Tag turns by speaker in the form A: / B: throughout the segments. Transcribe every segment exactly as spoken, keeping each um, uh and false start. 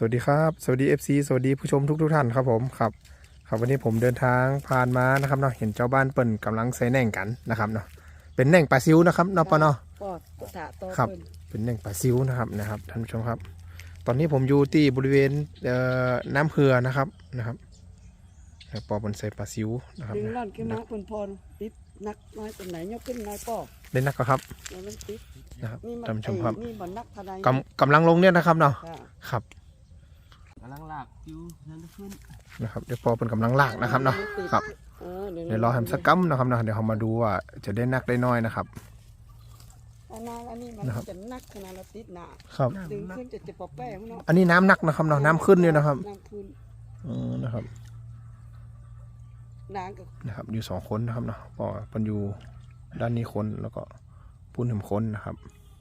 A: วัสดีครับสวัสดี เอฟ ซี สวัสดีผู้ชมทุกทุกท่านครับผมครับครับวันนี้ผมเดินทางผ่านมานะครับเนาะเห็นเจ้าบ้านเปิ่นกำลังใส่แหน่งกันนะครับเนาะเป็นแหน่งปลาซิวนะครับเนาะปะเนาะ
B: ปอดกุฏะโต
A: ครับ
B: ขึ้น
A: เป็นแหน่งปลาซิวนะครับนะครับท่านผู้ชมครับ ตอนนี้ผมอยู่ที่บริเวณเอ่อน้ำเผือนะครับนะครับปอบนใส่ปลาซิวนะครับ
B: ดึงร่อนขึ้นมาพนพรติดนักน้อยตรงไหนยกขึ้นน้อยป้อ
A: เล่นนักก็ครับ
B: แล้วมันติด
A: นะครับ
B: นี่มัน
A: ท่านผู้ชมครับ
B: ไอ้นี่มันนักพนัน
A: กำกำลังลงเนี่ยนะครับเนาะ
B: ค่ะ
A: ครับ
C: กำลังลากอยู่นั่นขึ้น
A: นะครับเดี๋ยวปอเป็นกำลังลากนะครับเนาะครับ
B: เออเดี๋ยว
A: เดี๋ยวรอให้มันสักกัมนะครับเนาะเดี๋ยวเรามาดูว่าจะได้นักได้น้อยนะครับ
B: อันนั้นอันนี้มัน
A: นะครับ
B: จะนักขนาดเราติดหนา
A: ครับ
B: ดึงขึ้นจะจะปอแป้งเนาะ
A: อันนี้น้ำหนักนะครับเนาะน้ำขึ้นเนี่ยนะครับ
B: น้ำขึ้น
A: อืมนะครับ
B: นางกับ
A: นะครับ อยู่สองคนนะครับเนาะปอเป็นอยู่ด้านนี้คนแล้วก็ปุ้นถึงคนนะครับ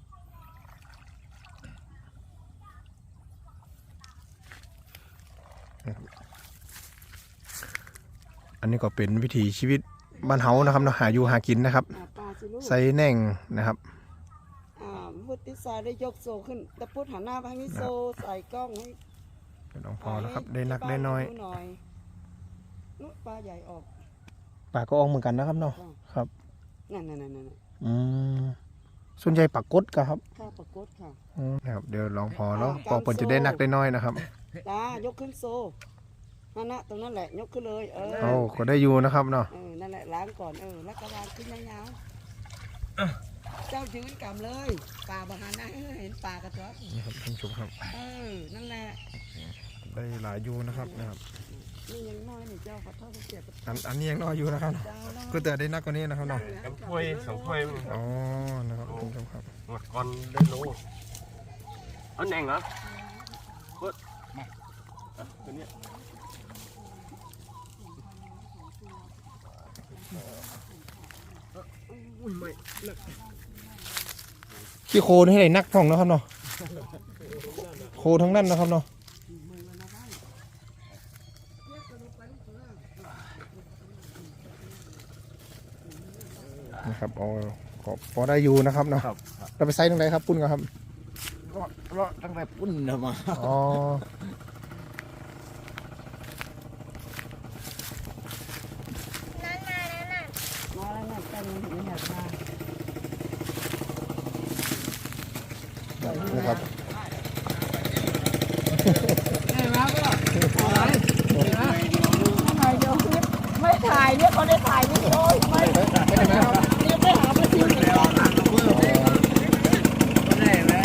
A: อันนี้ก็เป็นวิถีชีวิตบ้านเฮานะครับเนาะหาอยู่หากินนะครับ
B: อ่าปลาสิลูก
A: ใส่แหน่งนะครับ
B: อ่าวุฒิสายได้ยกโซขึ้นตะพุดหันหน้าไปทางนี้โซใส่กล้องให้
A: เดี๋ยวน้องพอแล้วครับได้นักได้น้อย
B: หน่อยนุปลาใหญ่ออก
A: ปลาก็ออกเหมือนกันนะครับเนาะครับ
B: นั่นนั่นนั่นนั่น
A: อืมส่วนใหญ่ปลากดก็ครับ
B: ข้าวปลากดค่ะ
A: อืมนะครับเดี๋ยวลองพอแล้วพอเปิ่นจะได้นักได้น้อยนะครับ
B: ตายกขึ้นโซนั่นนะตรงนั้นแหละยกขึ้นเลยเออ
A: โอ้ก็ได้อยู่นะครับเนาะ
B: เออนั่นแหละล้างก่อนเออแล้วก็วางขึ้นยาวๆเจ้ายืนกำเลยป่าบาหานะเห็นป่ากระตัว
A: นี่ครับท่านผู้ชมครับ
B: เออนั่นแหละ
A: ได้หลายอยู่นะครับนะครับ
B: นี่ยังน้อยนี่เจ้าขอโทษเสียกับ
A: อันอันนี้ยังน้อยอยู่นะครับ
B: เจ้าน้อย
A: ก็แต่ได้นักกว่านี้นะครับเนาะ
C: น้ำถ้วยสองถ้วยมึง
A: อ๋อนะครับท่านผู้ชมครับ
C: หมดก่อนได้โลเอาแหน่งเหรอเฮ้ยมาอ่ะตัวเนี้ย
B: อุ้ยไม่เลิก
A: ขี้โคลนให้ได้นักพ่องนะครับเนาะโคทั้งนั้นนะครับเนาะนะครับอ๋อก็พอได้อยู่นะครับเนาะ
C: ครับ
A: เราไปไซส์ตรงไหนครับปุ้นครับ
C: รอดรอดตั้งแต่ปุ้นเนาะมา
A: อ๋อ
B: มาแล้วนั่นกันไม่อยากมา
A: นะครับ
B: ถ่ายเดี๋ยวคลิปไม่ถ่ายเนี่ยเขาได้ถ่ายนี่โอ้ยไม่ยังไม่หาประชิมเลย
A: ได้นะครับ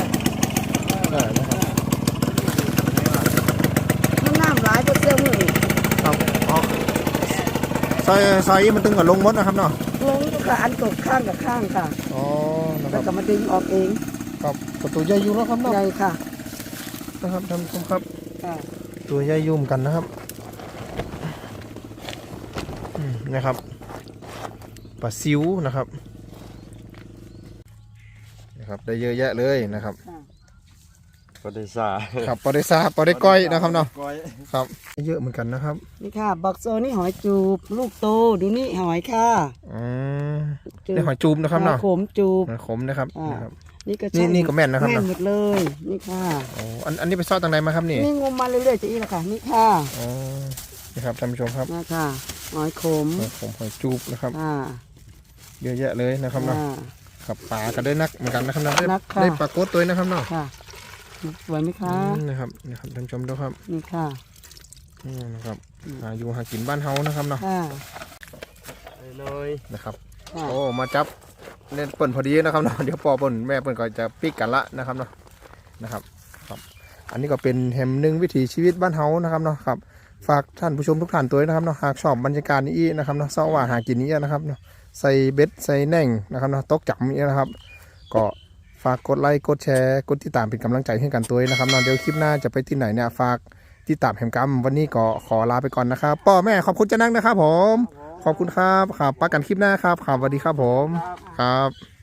B: มันน้ำหลายจะเสื่อมเลย
A: ครับอ๋อซอยซอยมันตึงกับลงมดนะครับเนาะ
B: ลงก็อันตกข้างกับข้างค่ะ
A: อ๋อนะค
B: แล้ว
A: รับ
B: ก็มาดึงออกเอง
A: ครับประตูใหญ่อยู่แล้วครับเนาะ
B: ใหญ่ค่ะ
A: นะครับท่านผู้ชมครับ
B: ค่ะ
A: ตัวใหญ่ยุ่มกันนะครับอืมนะครับปลาซิวนะครับนะครับได้เยอะแยะเลยนะครับ
C: ปฏิสา
A: ครับปลาได้ซาปลาได้ก้อยนะครับเนาะ
C: ก้อย
A: ครับเยอะเหมือนกันนะครับ
B: นี่ค่ะบักโซนี่หอยจูบลูกโตดูนี่หอยค่ะ
A: อืมได้หอยจูบนะครับเนาะ
B: หอยขมจูบ
A: หอยขมนะครับ
B: อ่า
A: นะครับ
B: นี่ก็
A: นี่
B: ใช่
A: นี่ก็แม่นนะครับ
B: แม่น
A: เนาะ
B: หมดเลย นี่ค่ะ
A: อ๋ออันอันนี้ไปซ่อนตรงไหนมาครับนี่
B: นี่งมมาเรื่อยๆจะอีกแล้วค่ะ นี่ค่ะ
A: อ๋อนี่ครับท่านผู้ชมครับ
B: นะค่ะหอยขม
A: หอยขมหอยจูบนะครับ
B: ค่ะ
A: เยอะแยะเลยนะครับเนาะ
B: ค่ะ
A: ครับปลาก็ได้นักเหมือนกันนะครับเนาะได้
B: นักค่ะ
A: ได้ปลาโกดตัวนี้นะครับเนาะ
B: ค่ะสวยไหมคะ
A: อืมนะครับนะครับท่านผู้ชมดูครับ
B: นี่ค่ะ
A: อืมนะครับหาอยู่หากินบ้านเฮานะครับเนาะ
B: ค่ะ
C: เลย
A: นะครับ
B: ค่ะ
A: โอ้มาจับเล่นเปิ่นพอดีนะครับเนาะ เดี๋ยวปอเปิ่นแม่เปิ่นก็จะปิกกันละนะครับเนาะนะครับครับ อันนี้ก็เป็นแฮมหนึ่งวิถีชีวิตบ้านเฮานะครับเนาะครับฝากท่านผู้ชมทุกท่านตัวด้วยนะครับเนาะหากชอบบรรยากาศนี้นะครับเนาะเสาร์ว่าหากินนี้นะครับเนาะใส่เบ็ดใส่แหน่งนะครับเนาะตกจับนี้นะครับ ก็ฝากกดไลค์กดแชร์กดติดตามเป็นกำลังใจให้กันตัวด้วยนะครับเนาะเดี๋ยวคลิปหน้าจะไปที่ไหนเนี่ยฝากติดตามแฮมกัมวันนี้ก็ขอลาไปก่อนนะครับป้อแม่ขอบคุณเจะนั่งนะครับผม ขอบคุณครับครับปักกันคลิปหน้าครับครับสวัสดีครับผมครับ